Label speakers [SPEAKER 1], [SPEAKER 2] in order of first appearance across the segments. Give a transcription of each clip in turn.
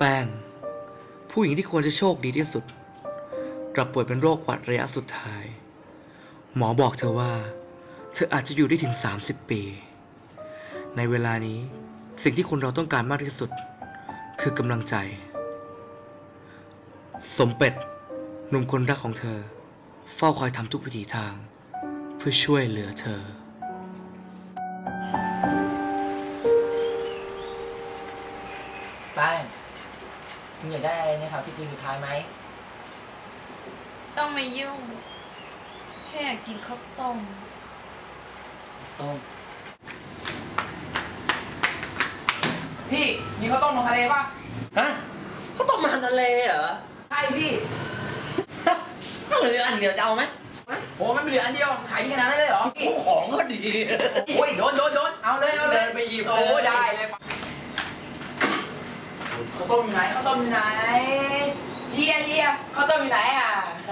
[SPEAKER 1] ป้งผู้หญิงที่ควรจะโชคดีที่สุดกลับป่วยเป็นโรคหวัดระยะสุดท้ายหมอบอกเธอว่าเธออาจจะอยู่ได้ถึง30 ปีในเวลานี้สิ่งที่คนเราต้องการมากที่สุดคือกำลังใจสมเป็ดหนุ่มคนรักของเธอเฝ้าคอยทำทุกวิถีทางเพื่อช่วยเหลือเธอ
[SPEAKER 2] แป้งคุณอยากได้อะไรใน30 ปีสุดท้ายไหม
[SPEAKER 3] ต้องไม่ยุ่งแค่อยากกินข้าวต้ม
[SPEAKER 2] พี่มีข้าวต้มลงทะเลป่ะ
[SPEAKER 4] ฮะข้าวต้มมันทะเลเหรอ
[SPEAKER 2] ใช่พี่
[SPEAKER 4] ก็เหลืออันเดียวจะเอาไหม
[SPEAKER 2] โอ้มันเหลืออันเดียวขายดีขนาดนั้นเลยเหรอ
[SPEAKER 4] ของก็ดี
[SPEAKER 2] โอ้ยโดนเอาเลย
[SPEAKER 4] ไปหยิบ
[SPEAKER 2] โอ้ได้เลยข้าวต้มอยู่ไหนเฮียข้าวต้มอยู่ไหนอ่ะ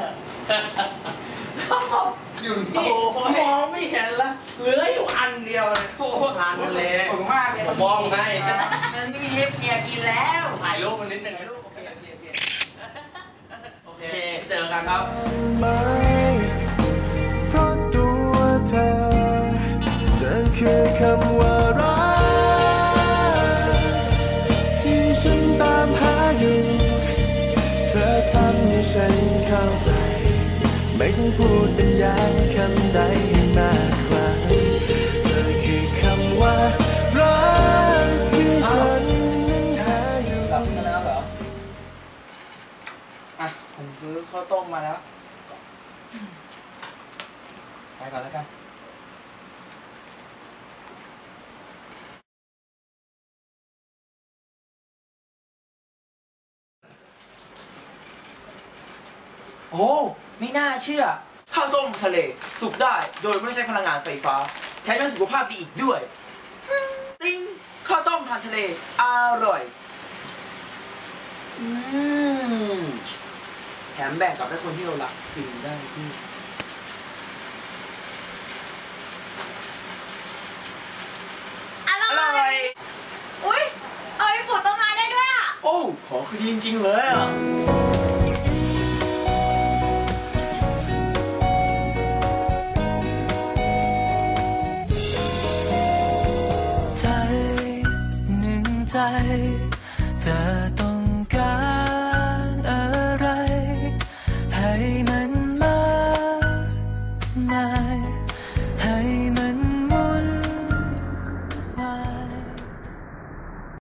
[SPEAKER 4] ข้าวต้มอยู่นี่มองไม่เห็นละเหลืออยู่อันเดียวเลยทานทะเล
[SPEAKER 2] ขอบคุณมากเลย
[SPEAKER 4] มองให้
[SPEAKER 2] มันไม่มีเล็บเมียกินแล้ว
[SPEAKER 4] ถ่ายรูปมันนิดหนึ่งโอเคเจอกันครับ
[SPEAKER 5] เพราะตัวเธอคือคำว่ารักที่ฉันตามหาอยู่เธอทำให้ฉันเข้าใจไม่ต้องพูดบรรยายคำใดให้มากกว่าเธอคือคำว่ารักที่ฉันนั้นหาอยู่
[SPEAKER 2] หลับซะแล้วเหรออ่ะผมซื้อข้าวต้มมาแล้วไปก่อนแล้วกันโอ้ไม่น่าเชื่อข้าวต้มทะเลสุกได้โดยไม่ใช้พลังงานไฟฟ้าแถมยังสุขภาพดีอีกด้วยติ้งข้าวต้มทานทะเลอร่อยแถมแบ่งกับให้คนที่เรารักกินได้ด้วย
[SPEAKER 3] อร่อยอุ๊ยเอาไปปลูกต้นไม้ได้ด้วยอ่ะ
[SPEAKER 2] โอ้ของคือดีจริงๆเลยอ่ะ
[SPEAKER 5] ใจจะต้องการ